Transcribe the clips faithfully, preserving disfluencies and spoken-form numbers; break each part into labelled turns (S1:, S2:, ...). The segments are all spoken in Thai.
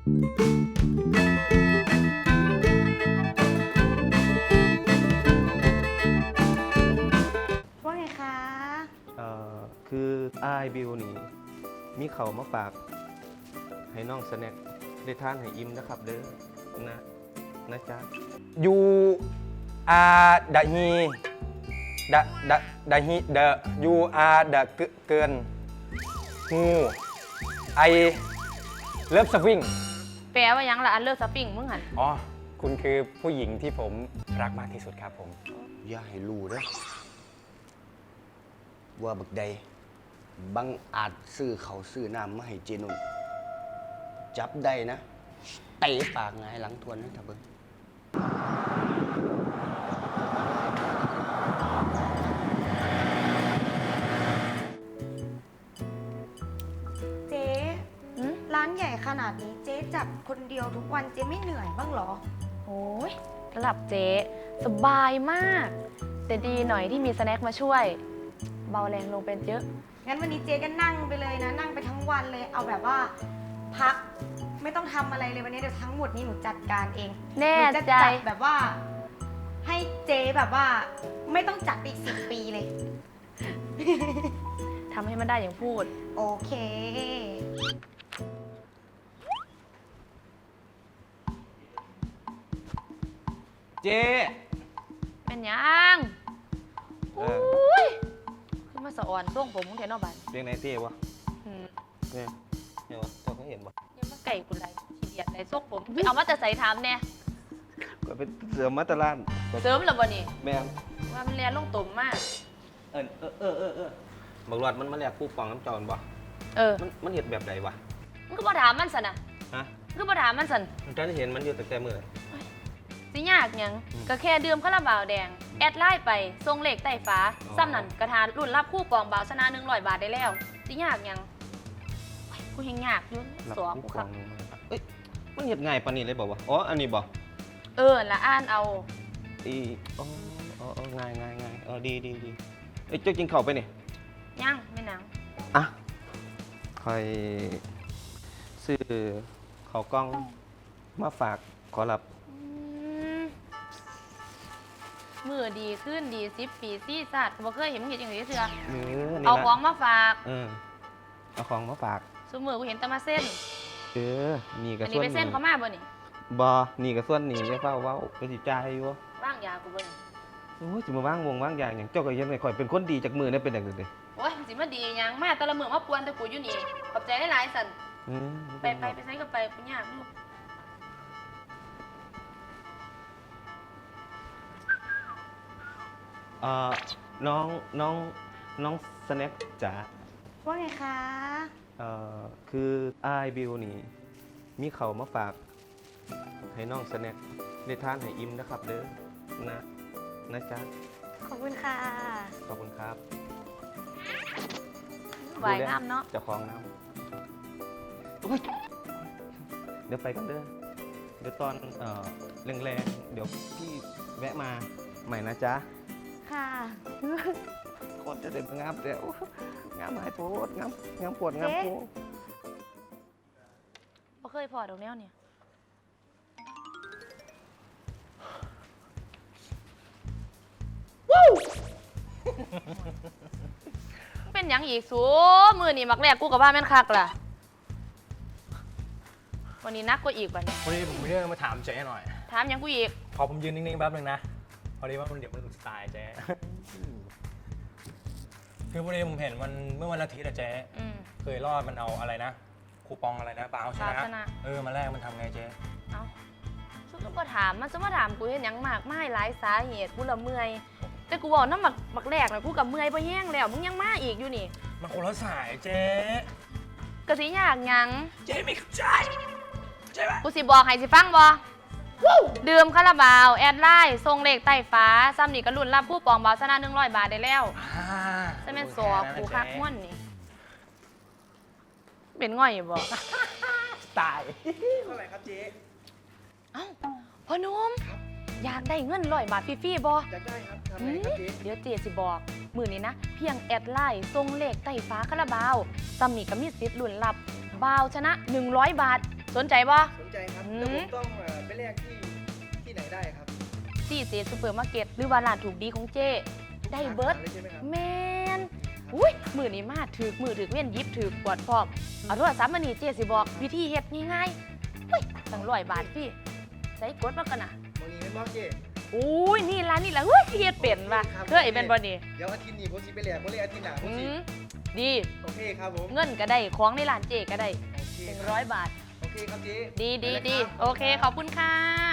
S1: ว่าไงคะ
S2: เอ่อคืออ้ายบิวนี่มีเขาวมาฝากให้น้องสแน็คได้ทานให้อิ่มนะครับเด้อนะนะจ๊ะ
S3: ยูอาดะฮีดะดะดะฮีเดะยูอาดะเกินงูไอเลิฟสวิง
S4: แปลว่ายังละอันเลิกสปริงมึงหัน
S3: อ๋อคุณคือผู้หญิงที่ผมรักมากที่สุดครับผม
S5: อย่าให้รู้นะว่าบักใดบังอาจซื้อเขาวซื้อน้ำมาให้เจนุ่นจับได้นะเตะปากหงายหลังทวนนะท่าเบิ้ง
S1: เจ๊ร้านใหญ่ขนาดนี้เจ๊จัดคนเดียวทุกวันเจ๊ไม่เหนื่อยบ้างเหรอ
S4: โอ้ยสำหรับเจ๊สบายมาก แต่ดีหน่อยที่มีสแน็คมาช่วย เบาแรงลงเป็นเยอะ
S1: งั้นวันนี้เจ๊ก็นั่งไปเลยนะ นั่งไปทั้งวันเลยเอาแบบว่าพักไม่ต้องทำอะไรเลยวันนี้เดี๋ยวทั้งหมดนี้หนูจัดการเอง
S4: แน่
S1: หนูจะ
S4: ใจ
S1: จัดแบบว่า ให้เจ๊แบบว่า ไม่ต้องจัดไปอีกสิบปีเลย
S4: ทำให้มันได้อย่างพูด
S1: โอเค
S2: เจ๊
S4: เป็นยัง
S2: เอ
S4: โอ้
S2: อย
S4: ขึ้นมาสะอ่อนส่งผมมึงเทนอบัน
S2: เรียกไหนเจ๊วะ
S4: อืม
S2: เนี่ยเนี่ยวะเจ้าเขาเห็นวะ
S4: ยังมาไก่กูไรขี้เดียดไรส่งผมไปเอามาแต่ใส่ถามแน่
S2: ก็เป็นเสือมาตรลาน
S4: เสริมหรอบ่นี่
S2: แม่ง
S4: ว่ามันเรียนลงตุ่มมาก
S2: เออเออเออเออเออบักหลอดมันมาแลกคู่ปองน้ำจอนบ่
S4: เออ
S2: มันมันเห็นแบบใดวะ
S4: มึงก็บ่ถามมันสันนะ
S2: ฮะ
S4: มึงก็บ่ถามมันสัน
S2: มันจะเห็นมันอยู่แต่แต่มือ
S4: สิยากหยัง
S2: อืม
S4: ก็แค่ดื่มคาราบาวแดง แอดไลน์ไปทรงเลขใต้ฟ้า
S2: อ๋อ
S4: ซ้ำนั่นกระทานรุ่นรับคู่ปองบาวชนะหนึ่งร้อยบาทได้แล้วสิยากหยังโอ้ยกูเฮงยากอยุ่น
S2: รับ
S4: สว
S2: คู่
S4: กู
S2: ป
S4: ครั
S2: อบ งมาเอ้ยมันเห็นง่ายปานนี้เลยบอกว่าอ๋ออันนี้บอก
S4: เออละอ่านเอา
S2: อีอ๋ออ๋ออ๋อง่ายง่ายง่ายเออดีดีดีเอ้ยเจ้ากินข้าวไปนี่
S4: ยังไม่หนัง
S2: อ่ะคอยซื้อข้าวกล้องมาฝากขอรับ
S4: อืมมือดีขึ้นดีสิบปีซี่สัตว์บ่เคยเห็นมึงเห็นอย่างนี้เถื่อ
S2: เนื้อนี่
S4: เอา
S2: ละ
S4: ของมาฝาก
S2: เออเอาของมาฝาก
S4: สมือกูเห็นแต่มาเส้น
S2: เออนี่กับ
S4: อัน
S2: ส่
S4: นี้
S2: วน
S4: ไปเส้นเขามาบ่นี่
S2: บอนี่กับส่วนนี่จะเฝ้าเว้าก็สิจ่ายอยู่
S4: ว่างยากูบ่นี่
S2: โอ้ยจะมาว่างวงว่างอย่างอย่างเจ้าก็ยังไงข่อยเป็นคนดีจากมือเนี่ยเป็นอย่างอื่นเลย
S4: โอ้ยมันสิมาดีหยังมาแต่ละมือมาปวนแต่กูอยู่นี่ขอบใจหลายๆสัน
S2: อืม
S4: ไปไปไปใช้กับไปกูยากลูก
S2: เอ่อน้องน้องน้องสแน็คจ๋า
S1: ว่าไงคะ
S2: เอ่อคืออ้ายบิวนี่มีเขาวมาฝากให้น้องสแน็คได้ทานให้อิ่มนะครับเด้อนะนะจ๊ะ
S1: ขอบคุณค่ะ
S2: ขอบคุณครับ
S4: ไหวงามเนาะ
S2: เจะคลองน้ำโอ๊ยเดี๋ยวไปกันเด้อเดี๋ยวตอนเอ่อแรงๆเดี๋ยวพี่แวะมาใหม่นะจ๊ะ
S1: ค่ะ
S2: คนจะเด็ดงามแต่โอ้งามหายโพดงามงามปวดงามโพด
S4: บ่เคยพอดอกแนวเนี่ยเป็นหยังอีกสูมือนี่มักแรกกูกับว่าแม่นคักล่ะวันนี้นักกว่าอีกวันนี้
S6: วันนี้ผมมีเรื่องมาถามเจ๊หน่อย
S4: ถามหยังกูอีก
S6: พอผมยืนนิ่งๆแป๊บนึงนะ พอดีว่ามันเดี๋ยวมันหลุดสไตล์เจ๊ คือพอดีผมเห็นมันเมื่อวันอาทิตย์อะเจ๊
S4: อืม
S6: เคยรอดมันเอาอะไรนะ คูปองอะไรนะเปล่าช
S4: เปล่าช
S6: นะ
S4: นะ
S6: เออมาแรกมันทำไงเจ๊
S4: เอาซุก็ถามมันจะมาถามกูเห็นหยังมากไม่หลายสาเหตุกูละเมื่อยแต่กูบอกน้ำหมักหมักแรกนะกูกับเมื่อยไปแห้งแล้วมึงยังมาอีกอยู่นี่
S6: มันคนละสายเจ๊
S4: กะสิยากหยัง
S6: เจ๊ไม่เข้าใจใช่ปะ
S4: กูสิบอกให้สิฟังบ่ดื่มคาราบาวแอดไลน์ทรงเลขใต้ฟ้าซ้ำนี่ก็รุ่นรับผู้ปองบาวชนะหนึ่งร้อยบาทได้แล้ว
S6: อ่า
S4: ใช่แม่นสอกูคักม่วนนี่เป็นง่อยอยู่บ่
S6: ตายเท่าไหร่ครับเจ๊
S4: เอ้าพ่อหนุ่มอยากได้เงินร้อยบาทฟรีๆบ่
S6: อยากได้ครับทำไงครับเจ๊
S4: เดี๋ยวเจสิบอกมือนี้นะ เพียงแอดไลน์ทรงเลขใต้ฟ้าคาราบาวซัมมี่ก็มีสิทธิ์ลุ้นรับบ่าวชนะหนึ่งร้อยบาทสนใจบ่
S6: สนใจครับ
S4: อืม
S6: แล้วผมต้องเอ่อไปแลกที่ที่ไหนได้ครับ
S4: ที่เซซูเปอร์มาร์เก็ตหรือว่าร้านถูกดีของเจ้ได้เบิร์ด
S6: สาขาลยใช่ไหมครับ
S4: แมนอุ้ยมือนี้มาถือมือถือเว้นหยิบถือกวดพร้อมเอาโทรศัพท์มานี่เจ๊สิบอกวิธีเฮ็ดง่ายๆเฮ้ยตั้งร้อยบาทพี่ใส่กดมากันนะ
S6: มองนี้เป็นบอสเจ
S4: อุ้ยนี่ร้านนี่ละเฮ้ยเฮ็ดเป็นว่ะ
S6: ครับ
S4: เฮ้ยเป็นบ่นี่
S6: เดี๋ยวอาทิตย์นี้ผมสิไปแหลกผมเลยอาทิตย์หน้าผม
S4: อื
S6: สิ
S4: มดี
S6: โอเคครับผม
S4: เงินก็ได้ของในร้านเจ๊ก็ได้
S6: โอเค
S4: หนึ่ง
S6: ค
S4: ร้
S6: รั
S4: อบ ยบาท
S6: โอเคครับเจ๊
S4: ดีดี
S6: ไปลย
S4: ดี
S6: รับ
S4: โอเคขอบคุณค่ะ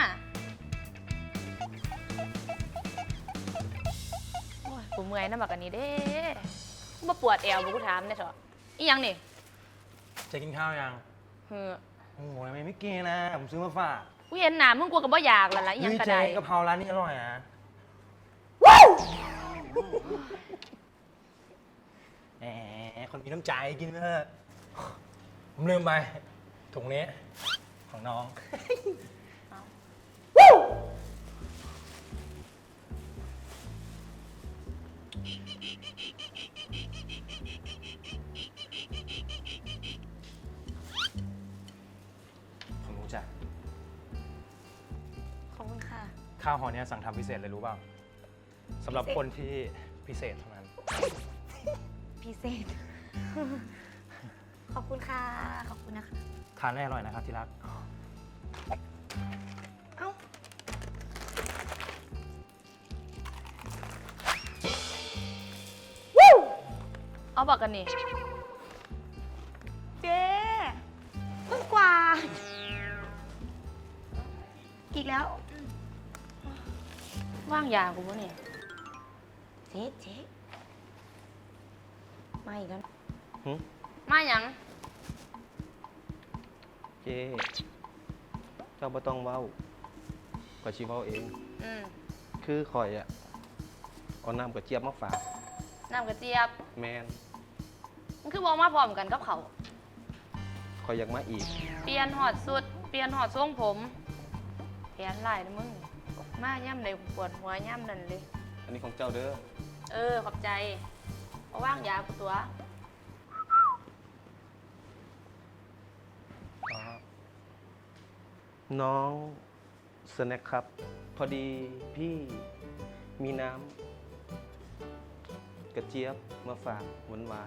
S4: โอ้ยกูเมื่อยน้ำบักอันนี้เด้บ่ปวดแอวบ่กูถามได้เถอะอีหยังนี่
S6: จะกินข้าวยัง
S4: เฮ้อ
S6: โอ้ยไม่ไม่กินนะ ผมซื้อมาฝาก
S4: กูเห็นหน้ามึงกลัวกับบ่อยากแล้วล่ะอีหยังก็
S6: เจ๊
S4: ได้
S6: กะเพราร้านนี้อร่อยนะแหมคนมีน้ำใจกินเถอะผมลืมไปถุงนี้ของน้อง ผมรู้จัก
S1: ขอบคุณค่ะ
S6: ข้าวห่อเนี้ยสั่งทำพิเศษเลยรู้เปล่าสำหรับ
S1: พิเศษ
S6: คนที่พิเศษเท่านั้น
S1: พิเศษ ขอบคุณค่ะ ขอบคุณนะคะ
S6: ทานได้อร่อยนะครับที่รัก
S1: เอ้า
S4: เอาบอกกันนี่
S1: เจ๊เพิ่งกว่า อีกแล้ว
S4: ว่างยากูบ่เนี่ย
S1: เจ๊เจ๊มาอีกแล้ว
S2: หึ
S4: มาหยัง
S2: เจ้เจ้าบ่ต้องเว้าก็สิเว้าเอง
S4: อืม
S2: คือข่อยอะเอาน้ำกระเจี๊ยบมาฝาก
S4: น้ำกระเจี๊ยบ
S2: แมน
S4: มันคือบอกมาพร้อมกันกับเขาว
S2: ข่อยอยากมาอีก
S4: เปลี่ยนหอดสุด เปลี่ยนหอดทรงผมแขนไหลายนะมึง มาย่ำใดกูปวดหัวย่ำนั่นเลย
S2: อันนี้ของเจ้าเด้อ
S4: เออ ขอบใจเพราะว่างยากูตัว
S2: อ๋อน้องสแน็คครับ พอดีพี่มีน้ำกระเจี๊ยบมาฝากหวานหวาน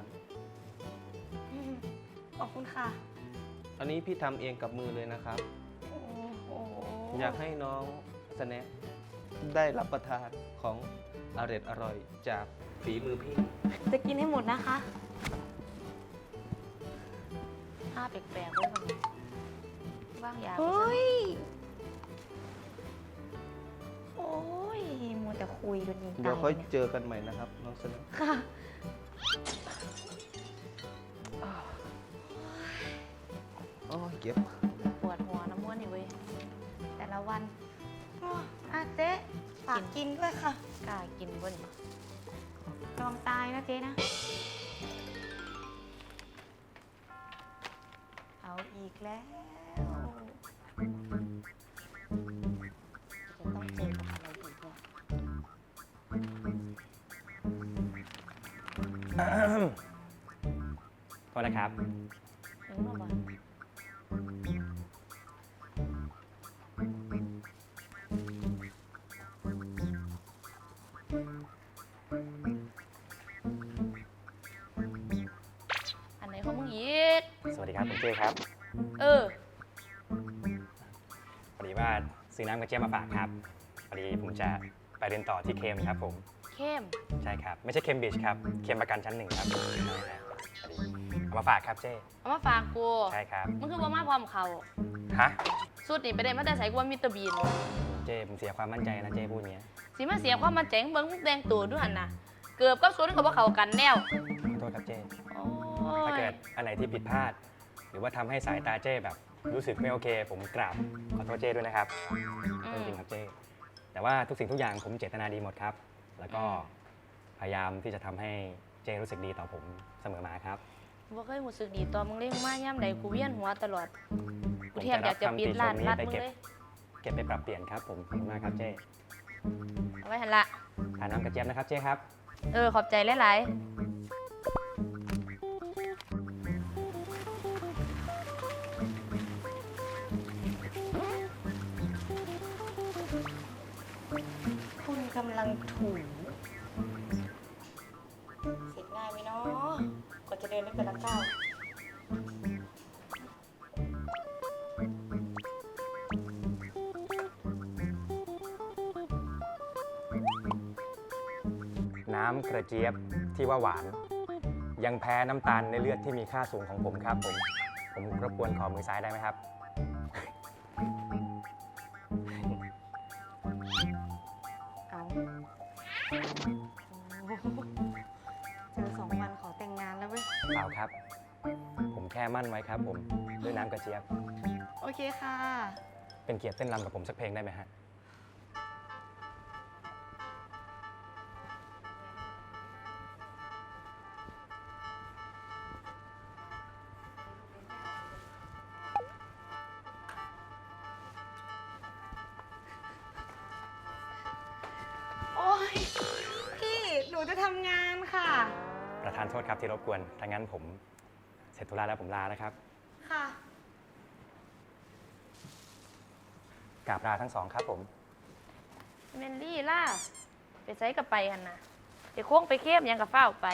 S1: ขอบคุณค่ะ
S2: ๆอันนี้พี่ทำเองกับมือเลยนะครับ
S1: โอ้โห
S2: อยากให้น้องสแน็คได้รับประทานของอร่อยอร่อยจากฝีมือพี่
S1: จะกินให้หมดนะคะ
S4: ห้าแปลกๆเลยมันว่างยากู
S1: เฮ้
S4: ซะ
S1: ย โอ้ยมัวแต่คุยกันยิง
S2: เดี๋ยว
S1: ตา
S2: ค่อย
S1: เนี่ย
S2: เจอกันใหม่นะครับ น้องสแน็ค
S1: ค่ะ
S2: โอ้ยเก็บ
S4: ปวดหัวน้ำม้วนนี่เว้ย
S1: แต่ละวันอ๋ออ่ะเจ๊ฝากกินด้วยค่ะ
S4: กล้ากินบ่นี่
S1: ลองตายนะเจ๊นะ เอาอีกแล้วจะต้องเจอกับอะไรอีกเนี่ย
S6: โทษนะครับ
S4: นึกมาบ่อันไหนของมึงอีก
S3: สวัสดีครับผมเจ้ครับ
S4: เออ
S3: พอดีว่าซื้อน้ำกระเจี๊ยบมาฝากครับพอดีผมจะไปเรียนต่อที่เคมครับผม
S4: เข้ม
S3: ใช่ครับ ไม่ใช่เคมบริดจ์ครับเคมประกันชั้นหนึ่งครับพอดีเอามาฝากครับเจ้
S4: เอามาฝากกู
S3: ใช่ครับ
S4: มันคือบ่มาพร้อมเขา
S3: ฮะ
S4: สุดนี่ไปได้มาแต่ใส่กูว่ามิสเตอร์บีน
S3: เจ้ผมเสียความมั่นใจนะเจ้พูดอย่างเงี้ย
S4: สิมาเสียความมันเจ๋งเบิ่งมึงแต่งตัวด้วยหั่นน่ะ เกือบกับสุดก็บ่เข้ากันแนว
S3: ขอโทษครับเจ้
S4: โอ้
S3: ถ้าย เกิดอันไหนที่ผิดพลาด หรือว่าทำให้สายตาเจ้แบบ รู้สึกไม่โอเค ผมกราบขอโทษเจ้ด้วยนะครับ
S4: อื
S3: จ
S4: ม
S3: ริงๆครับเจ้แต่ว่าทุกสิ่งทุกอย่างผมเจตนาดีหมดครับ แล้วก็พยายามที่จะทำให้เจ้รู้สึกดีต่อผมเสมอมาครับ
S4: บ่เคยรู้สึกดีตอนมึงเล่นมาย่ำใดกูเวียนหัวตลอด
S3: ผ
S4: กู
S3: ม
S4: แทบอยากจะปิดร้าน
S3: จะ
S4: รั
S3: รั
S4: ด
S3: บคำติชมนี้
S4: มึง
S3: ไปเก็บ
S4: เลย
S3: เก็บไปปรับเปลี่ยนครับผมขอบคุณมากครับเจ้
S4: เอาไว้หั่นละ
S3: ทานน้ำกระเจี๊ยบนะครับเจ้ครับ
S4: เออ ขอบใจหลายๆ
S1: กำลังถูเสร็จง่ายไหมเนาะกว่าจะเดินได้แต่ละก้าว
S3: น้ำกระเจี๊ยบที่ว่าหวาน ยังแพ้น้ำตาลในเลือดที่มีค่าสูงของผมครับผม ผมรบกวนขอมือซ้ายได้ไหมครับ
S1: เอาเจอสองวันขอแต่งงานแล้วเว้ย
S3: เปล่าครับ ผมแค่มั่นไว้ครับผม ด้วยน้ำกระเจี๊ยบ
S1: โอเคค่ะ
S3: เป็นเกียรติเต้นรำกับผมสักเพลงได้ไหมฮะ
S1: โอ้ยพี่ หนูจะทำงานค่ะ
S3: ประธานโทษครับที่รบกวน ถ้างั้นผมเสร็จธุระแล้วผมลานะครับ
S1: ค่ะ
S3: กราบลาทั้งสองครับผม
S4: เมนลี่ล่ะ ไปใช้กับไปหันนะเดี๋ยวโค้งไปเข้มยังกับเฝ้าวไป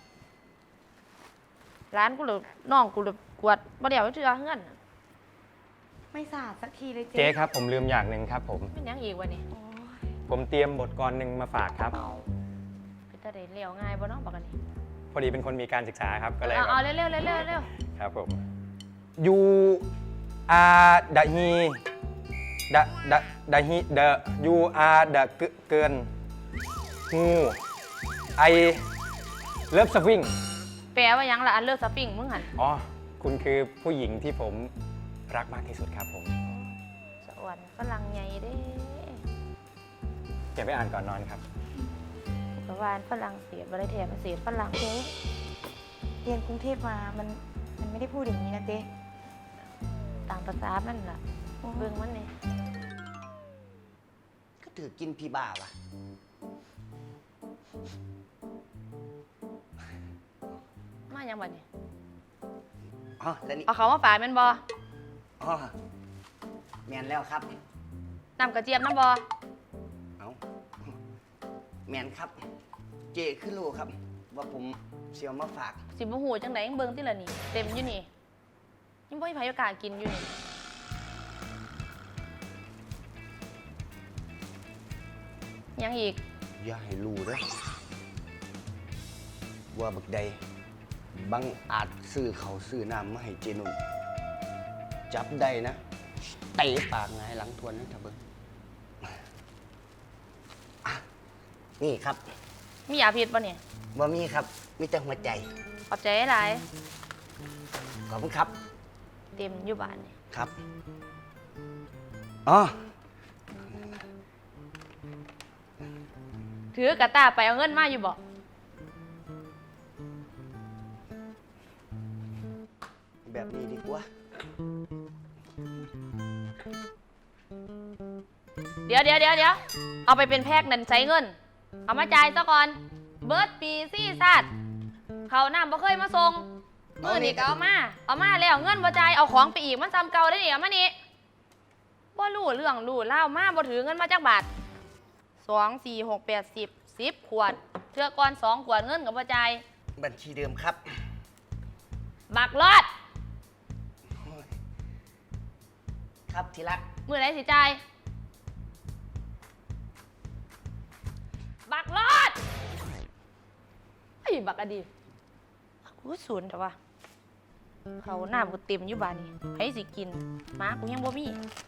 S4: ร้านกูหรือน้องกูหรือกวดบ่เดี๋ยวเชื่อเงื่อนน่ะ
S1: ไม่สะอาดสักทีเลย
S3: เจ๊
S1: เจ๊
S3: ครับผมลืมอย่างหนึ่งครับผม
S4: เป็นหยังอีกวะนี่
S1: โอ้ย
S3: ผมเตรียมบทกลหนึ่งมาฝากครับ
S4: เป็นตาเด็ดเลี้ยวง่ายบ่เน้องบอกกันนี่
S3: พอดีเป็นคนมีการศึกษาครับ ก็เลย
S4: เอา
S3: แบบ
S4: เอาเร็วเร็วเร็วเร็วเร็ว
S3: ครับผมยูอาดะฮีดะดะดะฮีเดะยูอาดะเกินงูไอเลิฟสวิง
S4: แปลว่าหยังละอันเลิกสปริงมึงหัน
S3: อ๋อ คุณคือผู้หญิงที่ผมรักมากที่สุดครับผม
S4: สะอ่อนฝรั่งใหญ่เด้
S3: เก็บไว้อ่านก่อนนอนครับ
S4: กวานฝรั่งเศสบริเทศเศสฝรั่ง
S1: เจ๊เรียนกรุงเทพมา มัน มันไม่ได้พูดอย่างนี้นะเจ๊
S4: ต่างภาษามันล่ะเบิ่งมันนี่
S5: ก็ถือกินพี่บ้าวะ
S4: มาหยังบัดนี่
S5: อ๋อแล้วนี่
S4: เอาเขามาฝากแม่นบ่
S5: อ๋อแมนแล้วครับ
S4: น้ำกระเจี๊ยบน้ำบ่
S5: เอาแมนครับ เจขึ้นรู้ครับ ว่าผมเสียวมาฝาก
S4: สิบ่ฮู้จังได๋ยังเบิ่งติล่ะนี่เต็มอยู่นี่ยังบ่มีไผโอกล้าสกินอยู่นี่ยังอีก
S5: อย่าให้รู้เด้อว่าบักใดบังอาจซื้อเขาวซื้อน้ำมาให้เจนุ่นจับได้นะเตะปากไงายหลังทวนนะท่าเบิ้งอ่ะนี่ครับ
S4: มียาพิษบ่เนี่ย
S5: บ่มีครับ มีแต่หัวใจ
S4: ขอบใจหลาย
S5: ขอบคุณครับ
S4: เต็มอยู่บ้านนี่
S5: ครับ อ๋อ
S4: ถือกระตาไปเอาเงินมาอยู่บ่
S5: แบบนี้ดีกว่า
S4: เดี๋ยวเดี๋ยวเดี๋ยวเดี๋ยวเอาไปเป็นแพ็กนั่นใช้เงิน เอามาจ่ายซะก่อน เบิร์ดปีซี่ซัดเขาน้ำบ่เคยมาส่งมือนี่ก็เอามา เอามาแล้วเงินบ่จ่ายเอาของไปอีกมันจำเก่าได้นี่เอามานี่บ่รู้เรื่องรู้เล่าวมาบ่ถือเงินมาจากบาทสองสี่หกแปดสิบสิบขวดเทื่อก่อนสองขวดเงินกับบ่จ่าย
S5: บัญชีเดิมครับ
S4: บักรอด
S5: ครับทีรัก
S4: มือไหนสิจ่ายบักรอดไอ้ยบักอดีกูศูนย์แต่ว่าเขาหน้ากูเต็มอยู่บ้านนี่ให้สิกินหมากูยังบ่มี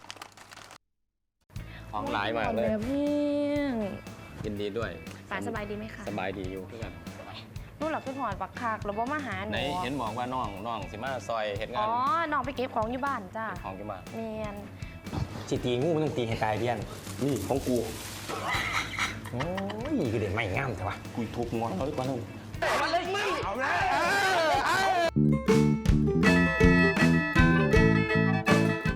S7: ของหลายมากเลย
S4: แบบนี้
S7: ยินดีด้วย
S4: ป่าสบายดีไหมคะ
S7: สบายดีอยู่เพื่อน
S4: นู่นหลับขึ้นหอดบักคากแล้วบ่มาหาห
S7: ไหน
S4: นู
S7: เห็นบอกว่าน้องน้องสิมาซอยเห็ดงา
S4: อ๋
S7: น
S4: อน้องไปเก็บของอยู่บ้านจ้า
S7: ของกี่บาท
S4: เมียน
S3: สิตีงูมันต้องตีให้ตายเดียนนี่ของกู โอ้ยคือเด็กไม่งามใช่ปะ
S7: คุยทุกงอนเขาดีกว่านึง
S3: เอาเลยมึงเอาเลย